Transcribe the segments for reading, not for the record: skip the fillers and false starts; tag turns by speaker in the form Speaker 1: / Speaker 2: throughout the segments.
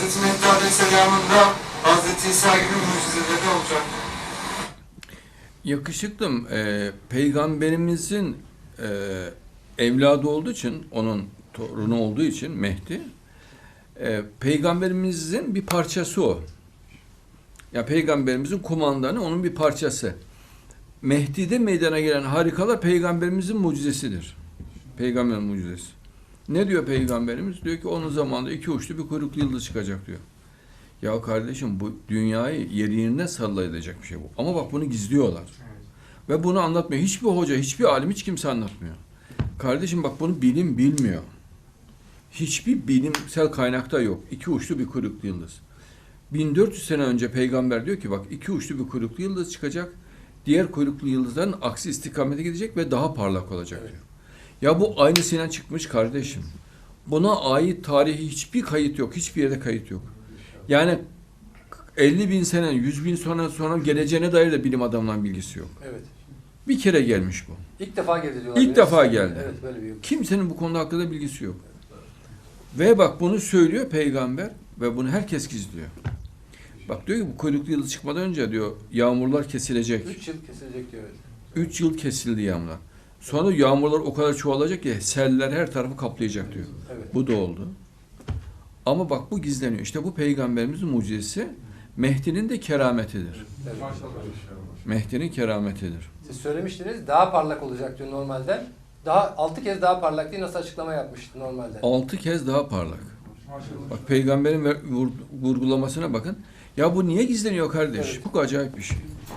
Speaker 1: Hazreti Mehdi Aleyhisselam'ında Hazreti İsa gibi mucizeleri olacak.
Speaker 2: Yakışıklım, Peygamberimizin evladı olduğu için, onun torunu olduğu için Mehdi, Peygamberimizin bir parçası o. Ya Peygamberimizin kumandanı onun bir parçası. Mehdi'de meydana gelen harikalar Peygamberimizin mucizesidir. Peygamberin mucizesi. Ne diyor Peygamberimiz? Diyor ki onun zamanında iki uçlu bir kuyruklu yıldız çıkacak diyor. Ya kardeşim bu dünyayı yerine sallayacak bir şey bu. Ama bak bunu gizliyorlar. Ve bunu anlatmıyor. Hiçbir hoca, hiçbir alim, hiç kimse anlatmıyor. Kardeşim bak bunu bilim bilmiyor. Hiçbir bilimsel kaynakta yok. İki uçlu bir kuyruklu yıldız. 1400 sene önce peygamber diyor ki bak iki uçlu bir kuyruklu yıldız çıkacak. Diğer kuyruklu yıldızların aksi istikamete gidecek ve daha parlak olacak diyor. Ya bu aynısıyla çıkmış kardeşim. Buna ait tarihi hiçbir kayıt yok. Hiçbir yerde kayıt yok. Yani 50 bin sene, 100 bin sonra geleceğine dair de bilim adamlarının bilgisi yok.
Speaker 3: Evet.
Speaker 2: Bir kere gelmiş bu.
Speaker 3: İlk defa geldi diyorlar.
Speaker 2: İlk defa geldi.
Speaker 3: Evet, böyle bir
Speaker 2: Kimsenin bu konuda hakkında bilgisi yok. Ve bak bunu söylüyor peygamber ve bunu herkes gizliyor. Bak diyor ki bu kuyruklu yıldız çıkmadan önce diyor yağmurlar kesilecek.
Speaker 3: 3 yıl kesilecek diyor.
Speaker 2: 3 yıl kesildi yağmurlar. Sonra yağmurlar o kadar çoğalacak ki seller her tarafı kaplayacak diyor.
Speaker 3: Evet.
Speaker 2: Bu da oldu. Ama bak bu gizleniyor. İşte bu peygamberimizin mucizesi Mehdi'nin de kerametidir.
Speaker 3: Evet.
Speaker 2: Mehdi'nin kerametidir.
Speaker 3: Siz söylemiştiniz daha parlak olacak diyor normalden. Daha 6 kez daha parlak diye nasıl açıklama yapmıştı normalden.
Speaker 2: 6 kez daha parlak. Bak peygamberin vurgulamasına bakın. Ya bu niye gizleniyor kardeş?
Speaker 3: Evet.
Speaker 2: Bu acayip bir şey.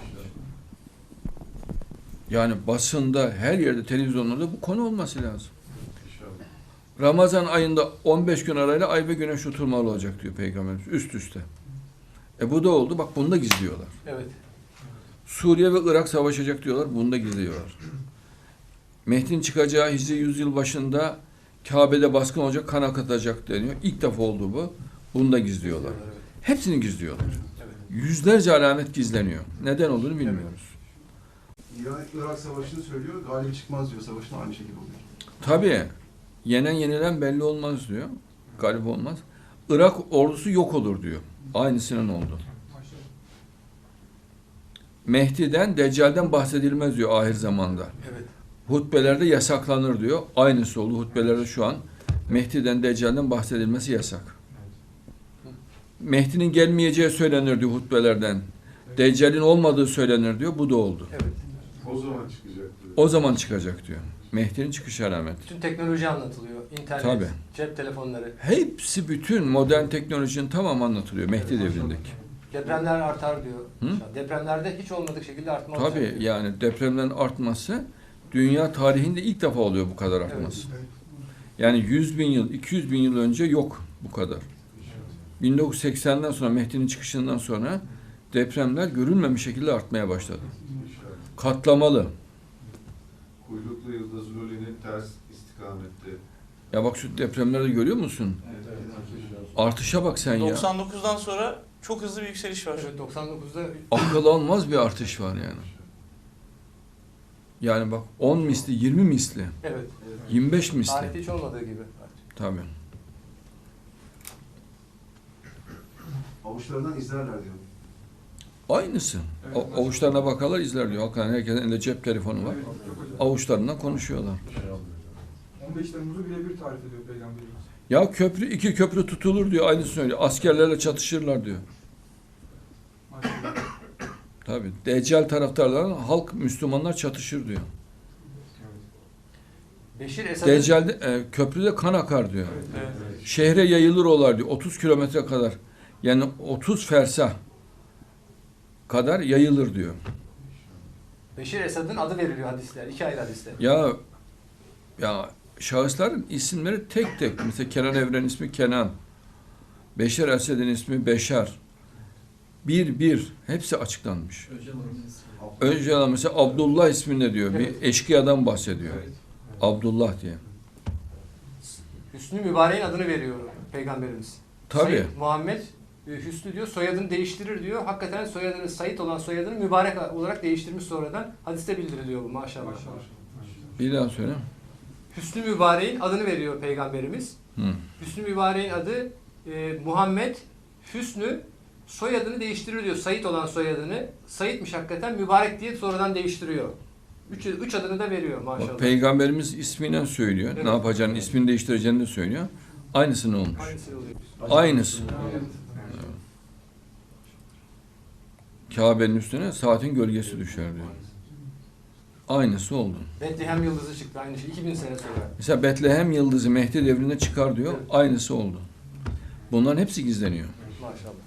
Speaker 2: Yani basında, her yerde, televizyonlarda bu konu olması lazım. Ramazan ayında 15 gün arayla ay ve güneş tutulmalı olacak diyor Peygamberimiz üst üste. Bu da oldu. Bak bunu da gizliyorlar.
Speaker 3: Evet.
Speaker 2: Suriye ve Irak savaşacak diyorlar. Bunu da gizliyorlar. Mehdi'nin çıkacağı Hicri 100 yıl başında Kabe'de baskın olacak, kan akıtacak deniyor. İlk defa oldu bu. Bunu da gizliyorlar.
Speaker 3: Evet.
Speaker 2: Hepsini gizliyorlar.
Speaker 3: Evet.
Speaker 2: Yüzlerce alamet gizleniyor. Neden olduğunu bilmiyoruz.
Speaker 4: İran-Irak Savaşı'nı söylüyor, galip çıkmaz diyor, savaşın aynı şekilde oluyor.
Speaker 2: Tabii. Yenen yenilen belli olmaz diyor. Galip olmaz. Irak ordusu yok olur diyor. Aynısının oldu. Mehdi'den, Deccal'den bahsedilmez diyor ahir zamanda.
Speaker 3: Evet.
Speaker 2: Hutbelerde yasaklanır diyor. Aynısı oldu. Hutbelerde şu an Mehdi'den, Deccal'den bahsedilmesi yasak. Mehdi'nin gelmeyeceği söylenir diyor hutbelerden. Deccal'in olmadığı söylenir diyor. Bu da oldu.
Speaker 3: Evet.
Speaker 4: O zaman çıkacak diyor.
Speaker 2: O zaman çıkacak diyor. Mehdi'nin çıkış alameti.
Speaker 3: Bütün teknoloji anlatılıyor. İnternet,
Speaker 2: Tabii.
Speaker 3: cep telefonları.
Speaker 2: Hepsi bütün modern teknolojinin tamamı anlatılıyor Mehdi devrindeki.
Speaker 3: Depremler artar diyor.
Speaker 2: Hı?
Speaker 3: Depremlerde hiç olmadık şekilde artma olacak
Speaker 2: Tabii
Speaker 3: diyor.
Speaker 2: yani depremlerin artması dünya tarihinde ilk defa oluyor bu kadar artması. Yani 100 bin yıl, 200 bin yıl önce yok bu kadar. 1980'den sonra Mehdi'nin çıkışından sonra depremler görülmemiş şekilde artmaya başladı. Katlamalı.
Speaker 5: Kuyruklu yıldız rolünün ters istikamette.
Speaker 2: Ya bak şu depremleri görüyor musun? Artışa bak sen ya.
Speaker 6: 99'dan sonra çok hızlı bir yükseliş var.
Speaker 3: Evet, 99'da
Speaker 2: Akıl almaz bir artış var yani. Yani bak 10 misli, 20 misli,
Speaker 3: evet.
Speaker 2: 25 misli.
Speaker 3: Tarihte hiç olmadığı gibi.
Speaker 2: Tabii.
Speaker 4: Avuçlarından izlerler diyor.
Speaker 2: Aynısı. Avuçlarına bakarlar izler diyor. Hakikaten herkesin elinde cep telefonu var. Avuçlarından konuşuyorlar.
Speaker 7: 15 Temmuz'u birebir tarif ediyor Peygamberimiz.
Speaker 2: Ya iki köprü tutulur diyor. Aynısını söylüyor. Askerlerle çatışırlar diyor.
Speaker 7: Maşallah.
Speaker 2: Tabii. Deccal taraftarlarla halk Müslümanlar çatışır diyor.
Speaker 3: Beşir Esad'ın
Speaker 2: Deccal'de köprüde kan akar diyor.
Speaker 6: Evet.
Speaker 2: Şehre yayılır olar diyor. 30 kilometre kadar. Yani 30 fersah kadar yayılır diyor.
Speaker 3: Beşir Esad'ın adı veriliyor hadisler. 2 ayrı hadisler.
Speaker 2: Ya şahısların isimleri tek tek. Mesela Kenan Evren ismi Kenan. Beşer Esed'in ismi Beşer. Bir. Hepsi açıklanmış. Önceden mesela Abdullah isminde diyor.
Speaker 3: Evet.
Speaker 2: Bir eşkıyadan bahsediyor. Abdullah diye.
Speaker 3: Hüsnü Mübarek'in adını veriyor Peygamberimiz.
Speaker 2: Tabii.
Speaker 3: Said Muhammed Hüsnü diyor, soyadını değiştirir diyor. Hakikaten soyadını, Said olan soyadını Mübarek olarak değiştirmiş sonradan. Hadiste bildiriliyor bu maşallah.
Speaker 7: Maşallah.
Speaker 2: Bir daha söyle.
Speaker 3: Hüsnü Mübarek'in adını veriyor Peygamberimiz.
Speaker 2: Hı.
Speaker 3: Hüsnü Mübarek'in adı Muhammed Hüsnü soyadını değiştirir diyor. Said olan soyadını. Said'miş hakikaten, mübarek diye sonradan değiştiriyor. Üç adını da veriyor maşallah.
Speaker 2: Bak, Peygamberimiz ismiyle söylüyor.
Speaker 3: Evet.
Speaker 2: Ne yapacağını, ismini değiştireceğini de söylüyor. Aynısını olmuş.
Speaker 3: Aynısı oluyor.
Speaker 2: Aynısı. Kabe'nin üstüne saatin gölgesi düşer diyor. Aynısı oldu.
Speaker 3: Bethlehem yıldızı çıktı aynı şey. 2000 sene sonra.
Speaker 2: Mesela Betlehem yıldızı Mehdi devrinde çıkar diyor. Aynısı oldu. Bunların hepsi gizleniyor.
Speaker 3: Maşallah.